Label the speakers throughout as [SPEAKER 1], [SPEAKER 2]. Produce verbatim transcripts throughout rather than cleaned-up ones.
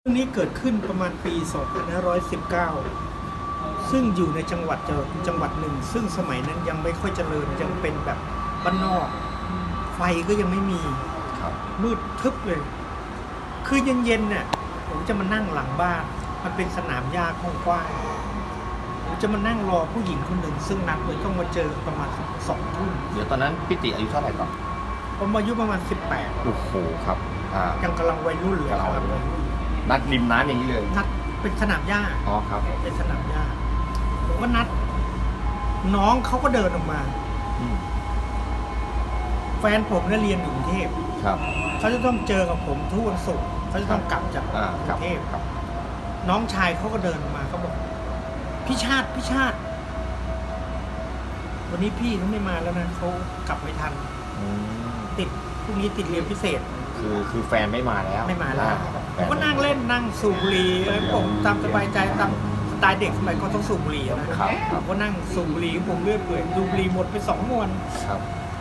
[SPEAKER 1] เรื่องนี้เกิดขึ้นประมาณปี สองพันห้าร้อยสิบเก้า ซึ่งอยู่ในจังหวัดจังหวัดหนึ่งซึ่งสมัยนั้นยังไม่ค่อยเจริญยังเป็นแบบบ้านนอก ไฟก็ยังไม่มีมืดทึบเลย คือเย็นๆเนี่ยผมจะมานั่งหลังบ้านมันเป็นสนามหญ้ากว้างๆผมจะมานั่งรอผู้หญิงคนหนึ่งซึ่งนัดเลยต้องมาเจอประมาณสองทุ่ม
[SPEAKER 2] เดี๋ยวตอนนั้นพี่ติอายุเท่าไหร่ก่อน
[SPEAKER 1] ผมอายุประมาณสิบแปด
[SPEAKER 2] โอ้โหครับอ่า
[SPEAKER 1] ยังกำลังวัยรุ่นเลย
[SPEAKER 2] กำลังวัยรุ่น นัดริมน้ำอย่างนี้เลย
[SPEAKER 1] นัดเป็นสนามหญ้า
[SPEAKER 2] อ๋อครับ
[SPEAKER 1] เป็นสนามหญ้าผมก็นัด น้องเขาก็เดินออกมา
[SPEAKER 2] อืม
[SPEAKER 1] แฟนผมเนี่ยเรียนอยู่กรุงเทพ
[SPEAKER 2] ครับ
[SPEAKER 1] เขาจะต้องเจอกับผมทุกวันศุกร์เขาจะต้องกลับจาก
[SPEAKER 2] อ่าก ค
[SPEAKER 1] รุ
[SPEAKER 2] รับ
[SPEAKER 1] งเทพ
[SPEAKER 2] ครับ
[SPEAKER 1] น้องชายเขาก็เดินออกมาเขาบอกพี่ชาติพี่ชาติ วันนี้พี่เขาไม่มาแล้วนะเขากลับไม่ทัน
[SPEAKER 2] อืม
[SPEAKER 1] ติดพรุ่งนี้ติดเรียนพิเศษ
[SPEAKER 2] คือคือแฟนไม่มาแล้ว
[SPEAKER 1] ไม่มาแล้ว
[SPEAKER 2] อ่
[SPEAKER 1] ผ
[SPEAKER 2] แฟ
[SPEAKER 1] มก็นั่งเล่นนั่งสูบบุหรี่เอ้ยผมตามสบายใจตามสไตล์เด็กสมัยก็ต้องสูบบุหรี่นะครับ
[SPEAKER 2] ค
[SPEAKER 1] ผ
[SPEAKER 2] รับ
[SPEAKER 1] มก็นั่งสูบบุหรี่ผมเรื่อยเปื่อยดูบุหรี่หมดไปสองมวน
[SPEAKER 2] ครับ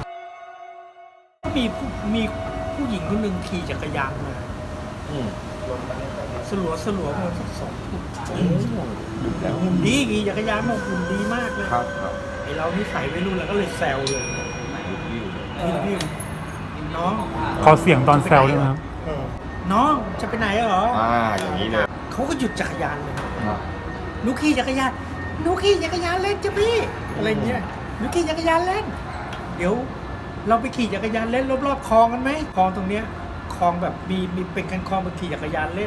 [SPEAKER 1] มีผู้มีผู้หญิงคนหนึ่งขี่จักรยานมา
[SPEAKER 2] อืม
[SPEAKER 1] สลัวสลัวๆมาสักสองทุ่ม
[SPEAKER 2] โอ้โหดึกแล้ว
[SPEAKER 1] หุ่นดีขี่จักรยานมาหุ่นดีมากเลย
[SPEAKER 2] ครับครับ
[SPEAKER 1] ไอเรานี่ใส่ไว้รุ่นแล้วก็เลยแซวเลย
[SPEAKER 2] ดึกอยู่
[SPEAKER 1] พี่พี่น้อง
[SPEAKER 3] ขอเสียงตอนแซวด้วยนะครับ
[SPEAKER 1] เออน้องจะไปไหนเหรอ
[SPEAKER 2] อ่าอย่างนี้เลย
[SPEAKER 1] เขาก็หยุดจักรยานเลย
[SPEAKER 2] ครับ
[SPEAKER 1] หนูขี่จักรยานหนูขี่จักรยานเล่นจ้ะพี่อะไรเงี้ยหนูขี่จักรยานเล่น เดี๋ยว เราไปขี่จักรยานเล่นรอบๆคลองกันไหมคลองตรงเนี้ยคลองแบบมีมีเป็นกันคลองไปขี่จักรยานเล่น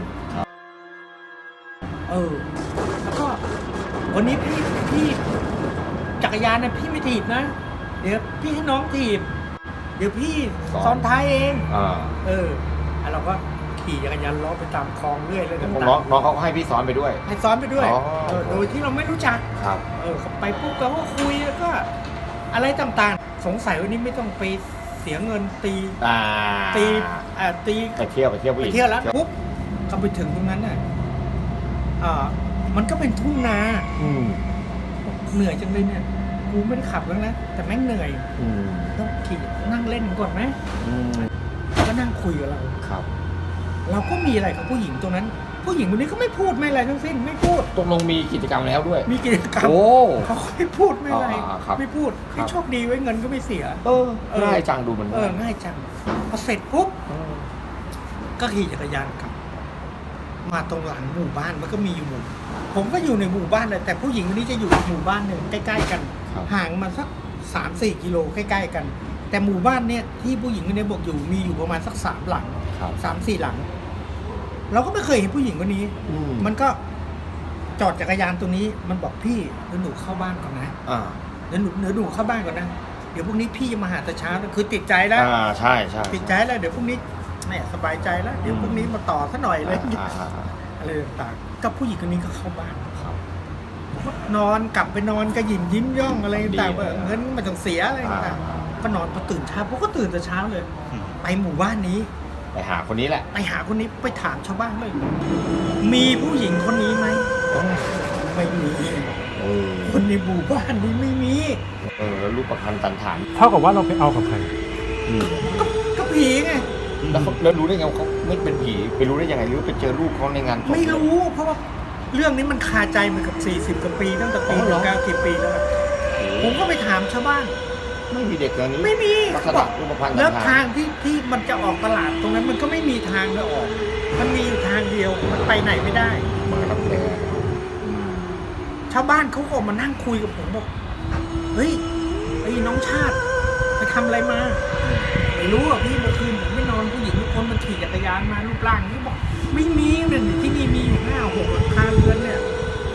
[SPEAKER 1] เออ แล้วก็วันนี้พี่พี่จักรยานเนี่ยพี่ไม่ถีบนะ เดี๋ยวพี่ให้น้องถีบ เดี๋ยวพี่ซ้อนท้ายเอง
[SPEAKER 2] อ่า
[SPEAKER 1] เออแล้วเราก็ขี่จักรยานล้อไปตามคลองเรื่อยเลยต่าง
[SPEAKER 2] น้องน้องเขาก็ให้พี่ซ้อนไปด้วย
[SPEAKER 1] ๆให้ซ้อนไปด้วย
[SPEAKER 2] อ๋อ
[SPEAKER 1] เออโดยที่เราไม่รู้จัก
[SPEAKER 2] ครับ
[SPEAKER 1] เออเขาไปปุ๊บเราก็คุยแล้วก็ อะไรต่างๆ สงสัยวันนี้ไม่ต้องไปเสียเงินตี
[SPEAKER 2] อ่า
[SPEAKER 1] ตีอ่าตี
[SPEAKER 2] ไปเที่ยวไปเที่ยวผู้ห
[SPEAKER 1] ไป
[SPEAKER 2] ญิง
[SPEAKER 1] เที่ยวแล้วปุ๊บเขาไปถึงตรงนั้นน่ะอ่ามันก็เป็นทุ่งนา
[SPEAKER 2] อืม
[SPEAKER 1] เหนื่อยจังเลยเนี่ยกูไม่ได้ขับแล้วนะแต่แม่งเหนื่อย
[SPEAKER 2] อืม
[SPEAKER 1] ต้องขี่นั่งเล่นก่อนไหม
[SPEAKER 2] อืม
[SPEAKER 1] ก็นั่งคุยกับเรา
[SPEAKER 2] ครับ
[SPEAKER 1] เราก็มีอะไรกับผู้หญิงตรงนั้น ผู้หญิงคนนี้ก็ไม่พูดไม่อะไรทั้งสิ้นไม่พูด
[SPEAKER 2] ตกลงมีกิจกรรมแล้วด้วย
[SPEAKER 1] มีกิจกรรม
[SPEAKER 2] โอ้
[SPEAKER 1] เขาก็ไม่พูดไม่อะไร
[SPEAKER 2] อ่าครับ
[SPEAKER 1] ไม่พูด
[SPEAKER 2] ครับ
[SPEAKER 1] ให้โชคดีไว้เงินก็ไม่เสีย
[SPEAKER 2] เออง่ายจังดูมัน
[SPEAKER 1] เออง่ายจังพอเสร็จปุ๊บ
[SPEAKER 2] ม
[SPEAKER 1] ก็ขี่จักรยานกลับ มาตรงหลังหมู่บ้านมันก็มีอยู่หมู่ผมก็อยู่ในหมู่บ้านเลยแต่ผู้หญิงคนนี้จะอยู่หมู่บ้านหนึ่งใกล้ๆกัน
[SPEAKER 2] ครับ
[SPEAKER 1] ห่างมาสักสามสี่กิโลใกล้ๆกัน แต่หมู่บ้านเนี่ยที่ผู้หญิงคนนี้บอกอยู่มีอยู่ประมาณสักสามหลัง
[SPEAKER 2] ครับ
[SPEAKER 1] สามสี่หลัง เราก็ไม่เคยเห็นผู้หญิงคนนี้
[SPEAKER 2] อืม
[SPEAKER 1] มันก็จอดจักรยานตรงนี้ มันบอกพี่เดี๋ยวหนูเข้าบ้านก่อนนะ
[SPEAKER 2] อ่า
[SPEAKER 1] เดี๋ยวหนูเดี๋ยวหนูเข้าบ้านก่อนนะเดี๋ยวพรุ่งนี้พี่จะมาหาแต่เช้านะคือติดใจแล้ว
[SPEAKER 2] อ่าใช่ใช่
[SPEAKER 1] ติดใจแล้วเดี๋ยวพรุ่งนี้แหมสบายใจแล้ว เดี๋ยวพรุ่งนี้มาต่อซะหน่อยเลย
[SPEAKER 2] อ่าอ่าอ่า
[SPEAKER 1] อะไรต่างๆกับผู้หญิงคนนี้ก็เข้าบ้าน
[SPEAKER 2] ครับ
[SPEAKER 1] นอนกลับไปนอนก็ยิ้มยิ้มย่องอะไรต่างๆ
[SPEAKER 2] ดีเลย
[SPEAKER 1] เงินไม่ต้องเสียอะไรต่าง
[SPEAKER 2] อ่า
[SPEAKER 1] ๆก็นอนพอตื่นเช้าผมก็ตื่นแต่เช้าเลย ไปหมู่บ้านนี้
[SPEAKER 2] ไปหาคนนี้แหละ
[SPEAKER 1] ไปหาคนนี้ไปถามชาวบ้านเลยมีผู้หญิงคนนี้ไหมไม่มี
[SPEAKER 2] เออ
[SPEAKER 1] คนในหมู่บ้านนี้ไม่มี
[SPEAKER 2] เออแล้วรูปประพันธ์ตันฐาน
[SPEAKER 3] เท่ากับว่าเราไปเอากับใคร
[SPEAKER 2] อืม
[SPEAKER 1] ก็ผีไง
[SPEAKER 2] แล้วเขาแล้วรู้ได้ไงว่าเขาไม่เป็นผีไปรู้ได้ยังไงหรือไปเจอรูปเขาในงานศพ
[SPEAKER 1] ไม่รู้เพราะว่าเรื่องนี้มันคาใจมากับสี่สิบกว่าปีตั้งแต่ปี
[SPEAKER 2] อ๋อเหรอ
[SPEAKER 1] เก้าสิบปีแล้ว ผมก็ไปถามชาวบ้าน
[SPEAKER 2] ไม่มีเด็กอย่างนี้
[SPEAKER 1] ไม่มี
[SPEAKER 2] ลักษ
[SPEAKER 1] เขาบ
[SPEAKER 2] ณะ
[SPEAKER 1] อก
[SPEAKER 2] รูปพันธ์
[SPEAKER 1] แล้ว
[SPEAKER 2] ตันฐา
[SPEAKER 1] ทาน งที่ที่มันจะออกตลาดตรงนั้นมันก็ไม่มีทางจะออก มันมีอยู่ทางเดียวมันไปไหนไม่ได้
[SPEAKER 2] มารับแลอืม
[SPEAKER 1] ชาวบ้านเขาก็มานั่งคุยกับผมบอกเฮ้ยไอ้น้องชาติไปทำอะไรมาไม่รู้อ่ะพี่เมื่อคืนผมไม่นอนผู้หญิงทุกคนมันขี่จักรยานมารูปร่างนี้บอกไม่มีเนี่ยที่นี่มีอยู่ห้าหกหลังคาเรือนเนี่ย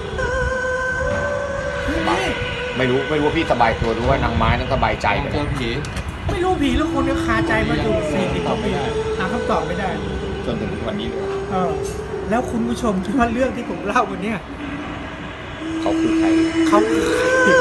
[SPEAKER 1] ไม่มี
[SPEAKER 2] ไม่รู้ไม่รู้ว่าพี่สบายตัวหรือว่านางไม้นั้นสบายใจไป
[SPEAKER 4] เจอผี
[SPEAKER 1] ไม่รู้ผีแล้วคนนี้คาใจมาอยู่สี่สิบกว่าปีหาคำตอบไม่ได้
[SPEAKER 2] จนถึงวันนี้เลย
[SPEAKER 1] เออ แล้วคุณผู้ชมคิดว่าเรื่องที่ผมเล่าวันเนี้ย
[SPEAKER 2] เขาคือใคร
[SPEAKER 1] เขาคือใคร